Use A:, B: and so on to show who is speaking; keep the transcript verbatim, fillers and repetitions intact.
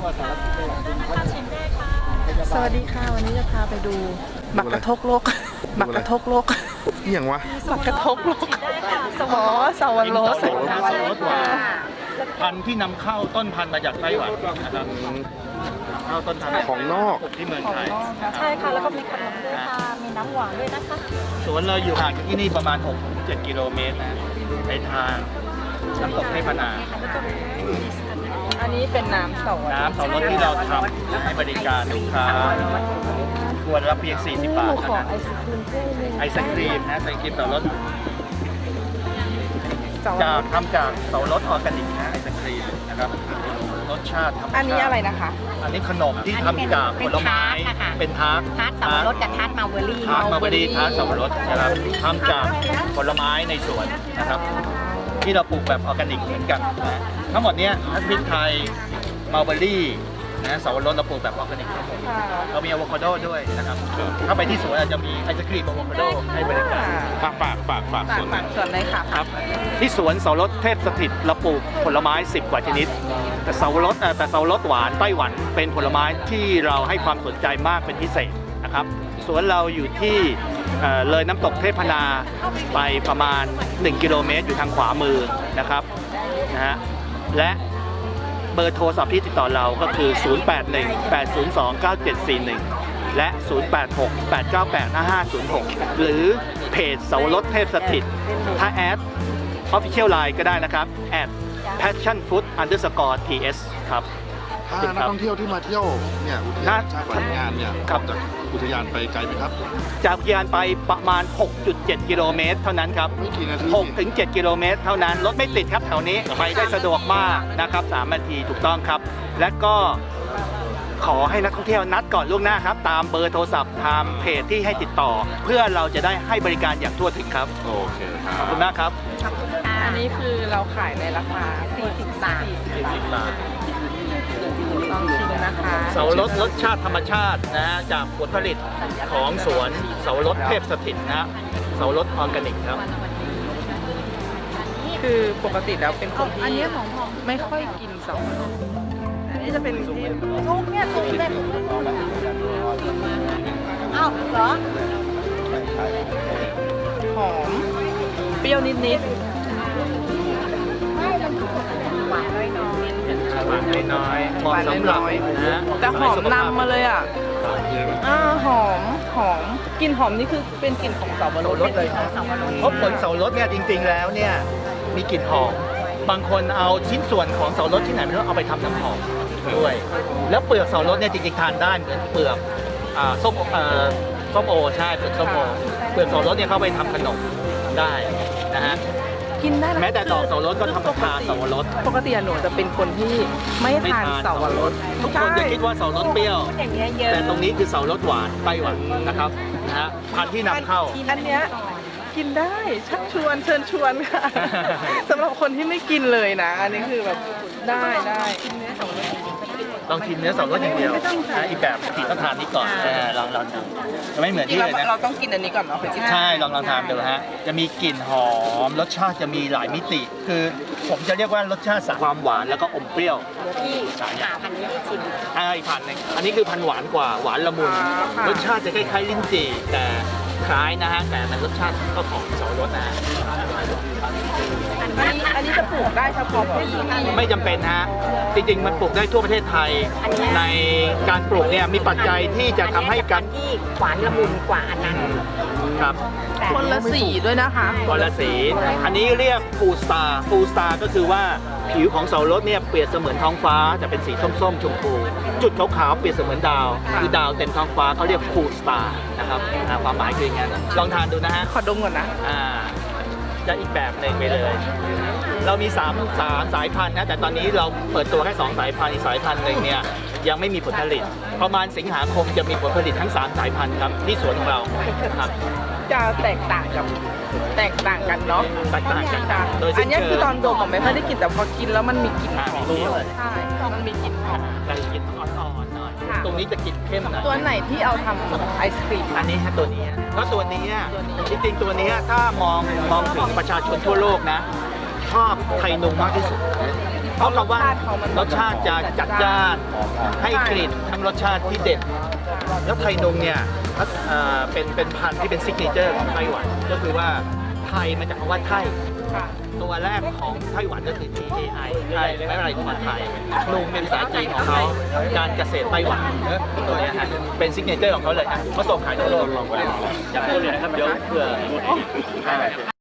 A: สวัสดีค่ะวันนี้จะพาไปดูบักกระทกโลกบักกระทกโลก
B: นี่อย่างวะ
A: บักกระทกโลกอ๋อสวรรค์
C: สวรสหวานพันธุ์ที่นำเข้าต้นพันธุ์มาจากไต้หวันนะครับเข้าต้นพันธุ์
B: ของนอก
C: ที่เมืองไทย
D: ใช่ค่ะ แล้วก็มีขนมด้วยค่ะ มีน้ำหวานด้วยนะคะ
C: สวนเราอยู่ห่างจากที่นี่ประมาณ หกถึงเจ็ด กิโลเมตรนะในทางน้ำตกเทพนา
A: อันนี้เป็นน้ำสวรรค์
C: น้ำเสารถที่เราทำให้บริการลูกค้าขวดละเพียง สี่สิบบาท
A: ข
C: เท่า
A: อ
C: นั้น
A: ไอศครีมด้วย
C: ไอศครีมนะไอศครีมเสารถจากทำจากเสารถออร์แกนิกนะไอศครีมนะครับรสชาติธรรมชาติ
A: อันนี้อะไรนะคะ
C: อันนี้ขนมที่ทำจากผลไม้เป็นทาร์ต
D: ทาร์ตสับปะรดกับทาร์ตมาเวอรี่
C: ทาร์ตมาร์เบอรี่ทาร์ตสับปะรดนะครับทำจากผลไม้ในสวนนะครับที่เราปลูกแบบออร์แกนิกเหมือนกันนะทั้งหมดเนี้ยทั้งพริกไทยมาร์เบอรี่นะสับปะรดเราปลูกแบบออร์แกนิกทั้งหมดเรามีอะโวคาโดด้วยนะครับถ้าไปที่สวนอาจจะมีไอศครีมอะโวคาโดให้บริการ
B: ฝากฝากฝากฝาก
A: ฝาก
B: ส่วนห
A: ฝา
B: นึ่
A: ก
B: ง
A: ส่วนเลยค่ะ
C: ครับที่สวนเสารถเทพสถิตเราปลูกผลไม้สิบกว่าชนิด แต่เสารถเอ่อแต่เสารถหวานไต้หวันเป็นผลไม้ที่เราให้ความสนใจมากเป็นพิเศษนะครับสวนเราอยู่ที่เอ่อเลยน้ำตกเทพนาไปประมาณ หนึ่ง กิโลเมตรอยู่ทางขวามือนะครับนะฮะและเบอร์โทรศัพท์ที่ติดต่อเราก็คือ ศูนย์ แปด หนึ่ง แปด ศูนย์ สอง เก้า เจ็ด สี่ หนึ่ง และ ศูนย์ แปด หก แปด เก้า แปด ห้า ห้า ศูนย์ หก หรือเพจเสารถเทพสถิตถ้าแอด Official Line ก็ได้นะครับ at passion food underscore ts ครับ
B: ถ้านักท่องเที่ยวที่มาเที่ยวเนี่ยอุทยานชาติพันธุ์งานเนี่ย
C: ครับ
B: จากอุทยานไปไกลไหมครับ
C: จากอุทยานไปประมาณ หกจุดเจ็ด กิโลเมตรเท่านั้นครับ
B: ไม่กี่นาที
C: หกถึงเจ็ด กิโลเมตรเท่านั้น รถไม่ติดครับแถวนี้ ไปได้สะดวกมากนะครับสามนาทีถูกต้องครับ และก็ขอให้นักท่องเที่ยวนัดก่อนล่วงหน้าครับ ตามเบอร์โทรศัพท์ตามเพจที่ให้ติดต่อ เพื่อเราจะได้ให้บริการอย่างทั่วถึงครับ
B: โอเคครั
C: ขอบบ คุณมากครับ
A: อันนี้คือเราขายในราคา
D: สี่สิบบาท
C: สี่สิบบาท
A: ลองชิมนะคะ
C: เสารถรสชาติธรรมชาตินะฮะจากผลผลิตของสวนเสารถเทพสถิตนะฮะเสารถออร์แกนิกครับ
A: คือปกติแล้วเป็นคนที่ไม่ค่อยกินสวรรค์อันนี้จะเป็นที่
D: ซุปเนี่ยซุปเส้นอ้าวเหรอ
A: หอมเปรี้ยวนิด
D: หวานน้อย
C: หวานน้อยๆเหมาะสำหรับนะฮะ
A: ๆแต่หอมนำมาเลยอ่ะอ่าหอมหอมกลิ่นหอมนี่คือเป็นกลิ่นของสับปะรดเลย
D: ๆสับปะรด
C: เพราะผลเสารถเนี่ยจริงๆแล้วเนี่ยมีกลิ่นหอมบางคนเอาชิ้นส่วนของเสารถที่ไหนไม่รู้เอาไปทำน้ำหอมด้วย แล้วเปลือกเสารถเนี่ยจริงๆทานได้เหมือนเปลือกอ่าส้มเอ่อส้มโอใช่เปลือกส้มโอเปลือกเสารถเนี่ยเข้าไปทำขนมได้นะฮะ
A: กินได้นะ
C: แม้แต่ดอกสับปะรดก็ทำจากชาสับปะรด
A: ปกติอะหนูจะเป็นคนที่ไม่ทานสับปะรด
C: ทุกคนจะคิดว่าเสารถเปรี้ยว
D: พูดอย่างเงี้ยเยอะ
C: แต่ตรงนี้คือเสารถหวานไต้หวันนะครับนะฮะพันธุ์ที่นำเข้า
A: อันเนี้ยกินได้ชักชวนเชิญชวนค่ะ สำหรับคนที่ไม่กินเลยนะ อันนี้คือแบบได้ได้กินเนื้อสับปะรด
C: ลองชิมเนื้อสับปะรดอย่างเดียวนะอีกแบบผีต้องทานนี้ก่อนเออลองลองดูจะไม่เหมือน
A: จริง
C: ที่
A: ๆ
C: เลย
A: เรา
C: นะ
A: เราต้องกินอันนี้ก่อนเนาะถึงจะ
C: ใช่ลองลองทานดูฮะจะมีกลิ่นหอมรสชาติจะมีหลายมิติ คือผมจะเรียกว่ารสชาติความหวานแล้วก็อมเปรี้ยว
D: ที่หาพันธุ์นี้ได้ชิม
C: อ่าอีกพันหนึ่งอันนี้คือพันหวานกว่าหวานละมุนรสชาติจะคล้ายๆลิ้นจี่แต่คล้ายนะฮะแต่มันรสชาติก็ของเสารสนะฮะ
A: อันนี้อันนี้จะปลูกได้เฉพาะที่นี่
C: ไม่จำเป็นฮะจริงๆมันปลูกได้ทั่วประเทศไทย ในการปลูกเนี่ยมีปัจจัยที่จะทำให้การ
D: ที่หวานละมุนกว่าอันนั้น
C: ครับ
D: แต่
A: คนละสีด้วยนะคะ
C: กอลสีอันนี้เรียกฟูสตาร์ฟูสตาร์ก็คือว่าผิวของเสารถเนี่ยเปรียบเสมือนท้องฟ้าแต่เป็นสีส้มๆชมพูจุดขาวๆเปรียบเสมือนดาวคือดาวเต็มท้องฟ้าเขาเรียกฟูสตาร์นะครับอ่าความหมายคืออย่างนั้นลองทานดูนะฮะ
A: ขอดมก่อนนะ
C: อ่าจะอีกแบบหนึ่งไปเลย เรามี3 3สายพันธุ์นะแต่ตอนนี้เราเปิดตัวแค่2สายพันธุ์อีกสายพันธุ์หนึ่งเนี่ยยังไม่มีผลผลิต ประมาณสิงหาคมจะมีผลผลิตทั้งสามสายพันธุ์ครับที่สวนของเราครับ
A: จะแตกต่างกับแตกต่างกันเนาะ
C: แตกต่างกัน
A: จ้ะ
C: โดย
A: อั
C: สิ้
A: น
C: น
A: เนี้ย
C: เชิง
A: คือตอนดมอะไม่ค่อยได้กลิ่นแต่พอกินแล้วมันมีกลิ่นห
C: อ่า
A: อม
C: มีกลิ่น
A: ใช่มันมีกลิ่นหอม
C: แต่กลิ่นอ่อนๆหน่อย
A: ค่ะ
C: ตรงนี้จะกลิ่นเข้มหน่อย
A: ตัวไหนที่เอาทำไอศครีม
C: อันนี้ฮะตัวนี้เพราะตัวนี้
A: ตัวนี้
C: จริงๆตัวนี้ถ้ามองมองถึงประชาชนทั่วโลกนะชอบไทยนงมากที่สุดเพราะคำว่าร
A: สชาติเขามัน
C: รสชาติจะจัดจ้านให้กลิ่นทั้งรสชาติที่เด็ด แล้วไทยนงเนี่ยเอ่อเป็นเป็นพันธุ์ที่เป็นซิกเนเจอร์ของไต้หวัน ก็คือว่าไทยมาจากคำว่าไทย
A: ค่ะ
C: ตัวแรกของไต้หวันก็คือ ที เอ ไอ ไทยไม่อะไรของไทยลุงเป็นภาษาจีนของเขาการเกษตรไต้หวันเออตัวเนี้ยฮะเป็นซิกเนเจอร์ของเขาเลยฮะเขาส่งขายทั่วโลกอยากพูดเลยนะครับเดี๋ยวเผื่อ